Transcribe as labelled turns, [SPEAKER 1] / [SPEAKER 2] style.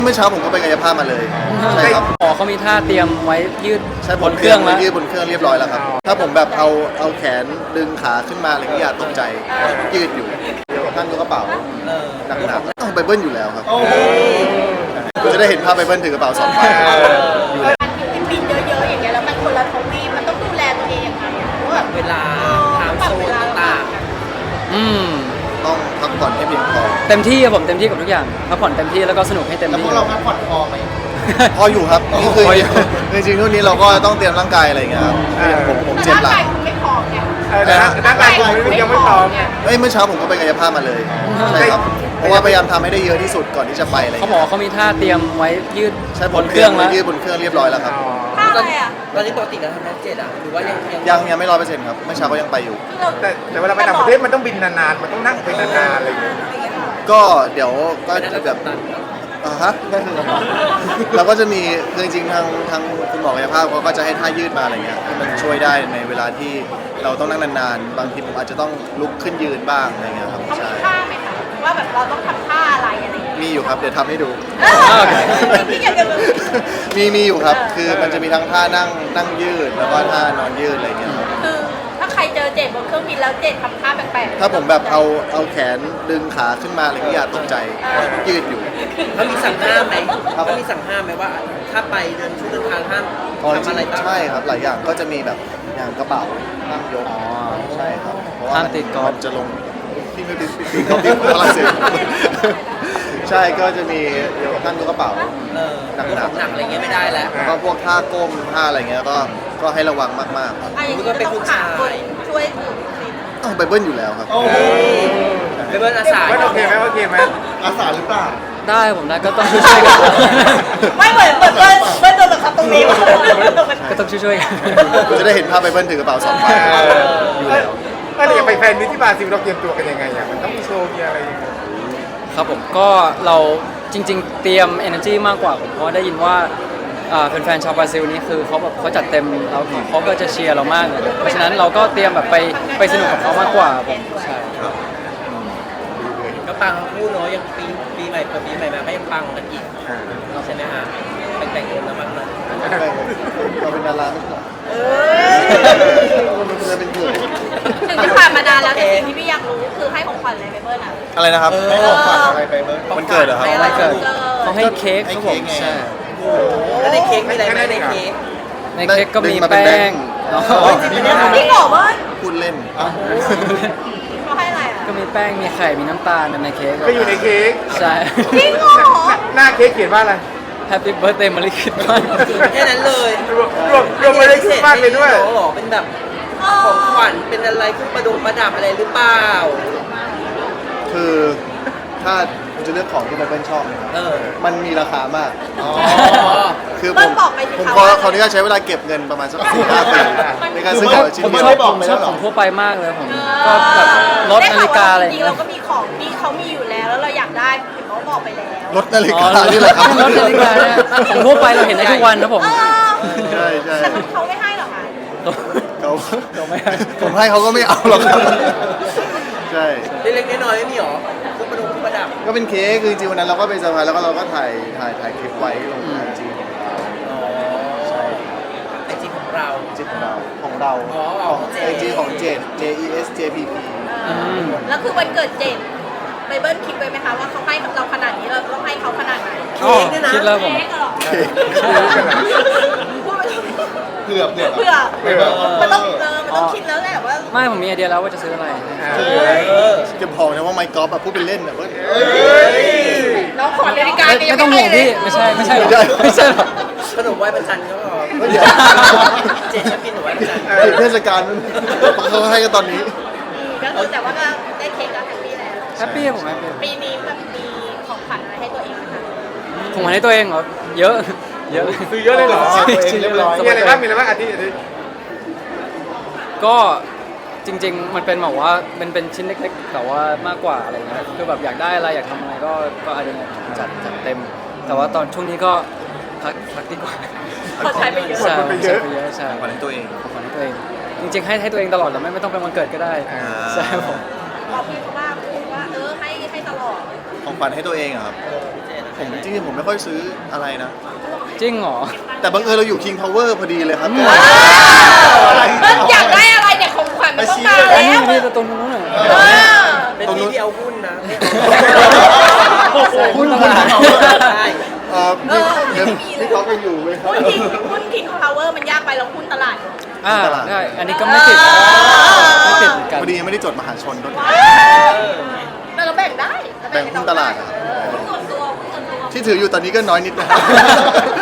[SPEAKER 1] เมื่อเช้าผมก็ไปกายภาพมาเลยใช่ครับ
[SPEAKER 2] หมอเขามีท่าเตรียมไว้ยืด
[SPEAKER 1] ใช่
[SPEAKER 2] บนเครื่องแล้ว
[SPEAKER 1] ยืดบนเครื่องเรียบร้อยแล้วครับถ้าผมแบบเอาแขนดึงขาขึ้นมาอะไรอย่างเงี้ยอย่าตกใจยืดอยู่เดี๋ยวท่านยกกระเป๋าหนักๆต้องไปเบิ้ลอยู่แล้วครับจะได้เห็นภาพไปเบิ้ลถือกระเป๋า2 ใบ
[SPEAKER 3] ที่บินเยอะๆอย่างเงี้ยแล้วมันคนละทวีปมันต้องดูแลตัวเองยังไงอะว่าแบบ
[SPEAKER 4] เวลาไทม์โซนต่าง
[SPEAKER 1] ต้องพักผ่อนให้เพียงพอ
[SPEAKER 2] เต็มที่ครับผมเต็มที่กับทุกอย่างพักผ่อนเต็มที่แล้วก็สนุกให้เต็ม
[SPEAKER 5] แล้ว
[SPEAKER 2] ที่
[SPEAKER 5] พวกเราพักผ่อนพอไหม
[SPEAKER 1] พออยู่ครับนี่คือ
[SPEAKER 2] พออยู่
[SPEAKER 1] จริงๆทุกนี้เราก็ต้องเตรียมร่างกายอะไรอย่างเงี้ยครับผม
[SPEAKER 3] แต่
[SPEAKER 1] เจ็บ
[SPEAKER 3] ร่าง
[SPEAKER 1] หลั
[SPEAKER 3] กาง ยคุณไม่พร้อมไง
[SPEAKER 5] ร่างกายคุณยังไม่พร้อม
[SPEAKER 3] เนี่ย
[SPEAKER 1] เมื่อเช้าผมก็ไปกายภาพมาเลยใช่ครับเพราะว่าพยายามทำให้ได้เยอะที่สุดก่อนที่จะไปอะไรอย่าง
[SPEAKER 2] เขา
[SPEAKER 1] เงี้ย
[SPEAKER 2] บอกเขามีท่าเตรียมไว้ยืด
[SPEAKER 1] ใช่
[SPEAKER 2] บนเครื่องแล้ว
[SPEAKER 1] ยืดบนเครื่องเรียบร้อยแล้วครับ
[SPEAKER 3] ท่าอะไรอ่ะ
[SPEAKER 4] ๆตอนนี้ปกติเราทำแม็กเจ็ดอ่ะหรือว่ายัง
[SPEAKER 1] ยังไม่100%ครับเมื่อเช้าก็ยังไปอยู่
[SPEAKER 3] คือเรา
[SPEAKER 5] แต่เวลาไปต่างประเทศมันต้องบินนานๆ มันต้องนั่งไปนานๆอะไรอย่างเงี้ย
[SPEAKER 1] ก็เดี๋ยวก็จะแบบฮะเราก็จะมีคือจริงๆทางคุณหมอกายภาพเขาก็จะให้ท่ายืดมาอะไรเงี้ยที่มันช่วยได้ในเวลาที่เราต้องนั่งนานๆบางทีผมอาจจะต้องลุกขึ้นยืนบ้างอะไรเงี้ยครับ
[SPEAKER 3] เขามี
[SPEAKER 1] ใช่
[SPEAKER 3] ท่าไหมคะว่าแบบเราต้องทำท่าอะไรอะไรอย่างเงี้ย
[SPEAKER 1] มีอยู่ครับเดี๋ยวทำให้ดู
[SPEAKER 3] ที่อยากจะรู้
[SPEAKER 1] มีอยู่ครับคือมันจะมีทั้งท่านั่งยืดแล้วก็ท่านอนยืดอะไรเงี้ยครับ
[SPEAKER 3] คือถ้าใครเจอเจดบนเครื่องบินแล้วเจดทำท่าแปลกๆ
[SPEAKER 1] ถ้าผมแบบเอาแขนดึงขาขึ้นมาอะไรเงี้ยอย่าตกใจยืดอยู่
[SPEAKER 4] เขามีสั่งห้ามไหมเขามีสั่งห้ามไหมว่า ถ้าไปเดินช่วงเดินทางห้าม
[SPEAKER 1] อ๋อจ
[SPEAKER 4] ทำอะไร
[SPEAKER 1] ริง
[SPEAKER 4] บ้าง
[SPEAKER 1] ๆใช่ครับหลายอย่างก็จะมีแบบอย่างกระเป๋าห้ามยกใช่ครับเพราะว่า
[SPEAKER 2] ห้ามติดกอล์ฟ
[SPEAKER 1] มันจะลงที่ไม่ติดกอล์ฟที่ฝรั่งเศสใช่ก็จะมีเดี๋ยวท่านยกกระเป๋า
[SPEAKER 4] หนักอะไรเงี้ยไม่ได้แล้ว
[SPEAKER 1] แล้วก็พวกท่าก้มท่าอะไรเงี้ยก็ให้ระวังมากๆครับ
[SPEAKER 3] อ่ะอย่างนี้ก็ต้องหาคนช่วยถือสิ
[SPEAKER 1] ต้องไปเบิ้ลอยู่แล้วครับ
[SPEAKER 4] ไปเบิร์นอาสา
[SPEAKER 5] ว่าโอเคไหมโอเคไหม
[SPEAKER 1] อาสาหรือเปล่า
[SPEAKER 2] ได้ผมได้ก็ต้องช่วยๆกัน
[SPEAKER 3] ไม่เหมือนเบิ้ลโดนบังคับตรงนี้
[SPEAKER 2] ก็ต้องช่วยๆกัน
[SPEAKER 1] จะได้เห็นภาพไปเบิ้ลถือกระเป๋า2 ใบอยู่แล้ว
[SPEAKER 5] แล้วอย่างไปแฟนมิตรที่บราซิลเราเตรียมตัวกันยังไงอ่ะมันต้องมีโชว์มีอะไรยังไง
[SPEAKER 2] ครับผมก็เราจริง ๆ เตรียม energy มากกว่าผมเพราะว่าได้ยินว่าแฟนๆชาวบราซิลนี่คือเขาจัดเต็มแล้วเขาก็จะเชียร์เรามากเลยเพราะฉะนั้นเราก็เตรียมแบบไปสนุกกับเขามากกว่าผมใช่
[SPEAKER 4] ก็ปังทั้งคู่เนาะยังปีใหม่เปิดปีใหม่มาก็ยังปังกันอีกใช่ไหมฮะแต่งตัวน้ำมันนะ
[SPEAKER 1] เราเป็นดาราไม่ใช่เราจะเป็นเพื่อน
[SPEAKER 3] ถึงที่ผ่านมานานแล้วแต่สิ่งที่พี่อยากรู้คือให้ของขวัญอะไรไปเบิ้ลอ่ะ
[SPEAKER 1] อะไรนะครับ
[SPEAKER 5] ให้ของขวัญอะไรไปเบิร์ด
[SPEAKER 1] มันเกิดเหรอครับ
[SPEAKER 3] อะไร
[SPEAKER 2] เกิด
[SPEAKER 3] เกิด
[SPEAKER 2] เขาให้เค้กครับผม
[SPEAKER 1] ให้เค้กไง
[SPEAKER 2] ใช่
[SPEAKER 4] แล้วในเค้กมีอะไรไหมในเค้ก
[SPEAKER 2] ในเค้กก็มี
[SPEAKER 1] ดึงมาเป็น
[SPEAKER 2] แป้ง
[SPEAKER 1] แบงค์
[SPEAKER 2] อ๋อ
[SPEAKER 3] พี่บอกว่า
[SPEAKER 1] พูดเล่น
[SPEAKER 3] เขาให้อะไรอ่ะ
[SPEAKER 2] ก็มีแป้งมีไข่มีน้ำตาลในเค้ก
[SPEAKER 5] ก็อยู่ในเค้ก
[SPEAKER 2] ใช่
[SPEAKER 3] จริงเหรอ
[SPEAKER 5] หน้าเค้กเขียนว่าอะไร
[SPEAKER 2] Happy Birthday Merry Christmas
[SPEAKER 4] แค่นั้นเลย
[SPEAKER 5] รวมไปเลยคิดมากเลยด้วย
[SPEAKER 4] หรอเป็นแบบของขวัญเป็นอะไรเครื่องประดับอะไรหรือเปล่า
[SPEAKER 1] คือถ้าคุณจะเลือกของที่ไบเบิลชอบนะครับ มันมีราคามาก คือผมขออนุญาตใช้เวลาเก็บเงินประมาณสัก4-5 ปีในการซื้อของชิ้น
[SPEAKER 2] ผม
[SPEAKER 1] เดีย
[SPEAKER 2] ชอบ
[SPEAKER 1] ว
[SPEAKER 2] ผมชอบของทั่วไปมากเลยผมก็แบบรถนาฬิกาอะไรอ
[SPEAKER 3] จ
[SPEAKER 2] ย่าง
[SPEAKER 3] ริงๆ
[SPEAKER 2] เงี้
[SPEAKER 3] เรา
[SPEAKER 2] ย
[SPEAKER 3] ก็มีของที่เขามีอยู่แล้วแล้วเราอยากได้เห็นเขาบอกไปแล้ว
[SPEAKER 1] รถนาฬิกานี่แหละครับ
[SPEAKER 2] รถนาฬิกาเนี่ยของทั่วไปเราเห็นได้ทุกวันนะผม
[SPEAKER 1] ใช่ใช่
[SPEAKER 3] แต่เขาไม่ให้หรอกค่ะ
[SPEAKER 1] เขาผมให้เขาก็ไม่เอาหรอกครับใช่
[SPEAKER 4] เล็กๆน้อยๆไม่มีหรอเครื่องประดับ
[SPEAKER 1] ก็เป็นเค้กคือจริงๆวันนั้นเราก็ไปเซอร์ไพรส์แล้วก็เราก็ถ่ายคลิปไว้ลงไอจีของเรา ใช่
[SPEAKER 4] ไอจีของเรา
[SPEAKER 1] จีของเราของเรา
[SPEAKER 4] อ๋อ
[SPEAKER 1] ของ
[SPEAKER 4] ของเจ
[SPEAKER 1] ไอจีของเจด JESJPP
[SPEAKER 3] แล้วคือวันเกิดเจนไบเบิลคิดไว้ไหมคะว่าเขาให้เราขนาดนี้เราต้องให้เขาขนาดไหน
[SPEAKER 4] เค้กเนี่ยนะ
[SPEAKER 2] คิดแล้วผม
[SPEAKER 3] เค้กเหรอ
[SPEAKER 1] เผือกเนี่ย
[SPEAKER 3] เพื่อมันต้องคิดแล้วแหละว่า
[SPEAKER 2] ไม่ผมมีไอเดียแล้วว่าจะซื้ออะไร
[SPEAKER 1] จะบอกนะว่าไมค์กอล์ฟอะพูดเป็นเล่นอะเว้ย
[SPEAKER 3] น้องขอนาฬิกา
[SPEAKER 2] ไม่ต้องห่วงพี่ไม่ใช่หรอกไม่ใช่หรอก
[SPEAKER 4] ขนมไหว้พระจันทร์ก็พอ
[SPEAKER 1] เดี๋ยว
[SPEAKER 4] เจนชอบกินขนมไหว้พระจันทร์
[SPEAKER 1] ถึงเทศกาลเขาให้กันตอนนี้
[SPEAKER 3] ก็คือแต่ว่าก็ได้เค้กก็แฮปปี้แล้ว
[SPEAKER 2] แฮปปี้ผมแฮปปี้
[SPEAKER 3] ปีนี้แบบมีของขวัญอะไรให้ตัวเองไหมคะ
[SPEAKER 2] ผมให้ตัวเองเหรอเยอะเยอะ
[SPEAKER 5] ซื้อเยอะเลยเหรอ
[SPEAKER 2] ซื้อเยอะเลย
[SPEAKER 5] มีอะไรบ้างมีอะไรบ้างอาทิตย์
[SPEAKER 2] ก็จริง ๆ มันเป็นแบบว่าเป็นชิ้นเล็กๆแต่ว่ามากกว่าอะไรเงี้ยคือแบบอยากได้อะไรอยากทำอะไรก็อะไรเงี้ยจัดเต็ม แต่ว่าตอนช่วงนี้ก็พักดีกว่า
[SPEAKER 3] เขาใช้ไปเยอะ
[SPEAKER 2] ใช่ใช้ไปเยอะใช่
[SPEAKER 1] ขวัญให้ตัวเอง
[SPEAKER 2] ของขวัญให้ตัวเอง จริงๆให้ตัวเองตลอดแล้วไม่ต้องเป็นวันเกิดก็ได้ใช่ผม
[SPEAKER 3] บอกพี่เขาว่าให้ตลอด
[SPEAKER 1] ของขวัญให้ตัวเองอะครับ
[SPEAKER 2] ให้
[SPEAKER 1] ผมจริงๆผมไม่ค่อยซื้ออะไรนะ
[SPEAKER 2] จริงเหรอ
[SPEAKER 1] แต่บังเอิญเราอยู่ King Power พอดีเลยครับ
[SPEAKER 3] เบิ้ลอยากได้อะไรเนี่ยของขวัญมันต้องมา
[SPEAKER 2] อัน
[SPEAKER 3] แล้
[SPEAKER 2] นี้
[SPEAKER 3] ว
[SPEAKER 2] นี่ตรงนู้นน่ะ
[SPEAKER 3] เออ
[SPEAKER 4] เป็นที่ที่เอาหุ้นนะ
[SPEAKER 1] หุ้น
[SPEAKER 2] ตลาด
[SPEAKER 4] ใช่
[SPEAKER 1] พี่เขาไปอยู่เลยครับ
[SPEAKER 3] หุ้นคิงพาวเวอร์มันยากไปเราหุ้นตลาด
[SPEAKER 2] อ่าได้อันนี้ก็ไม่ติดไม่ติดเหมือนกัน
[SPEAKER 1] พอดียังไม่ได้จดมหาชนด้วย
[SPEAKER 3] แต่เราแบ่งได้
[SPEAKER 1] แบ่งหุ้นตลาดอะ
[SPEAKER 3] หุ้นส่วนตัวหุ้นส่วนตัว
[SPEAKER 1] ที่ถืออยู่ตอนนี้ก็น้อยนิดนะครับ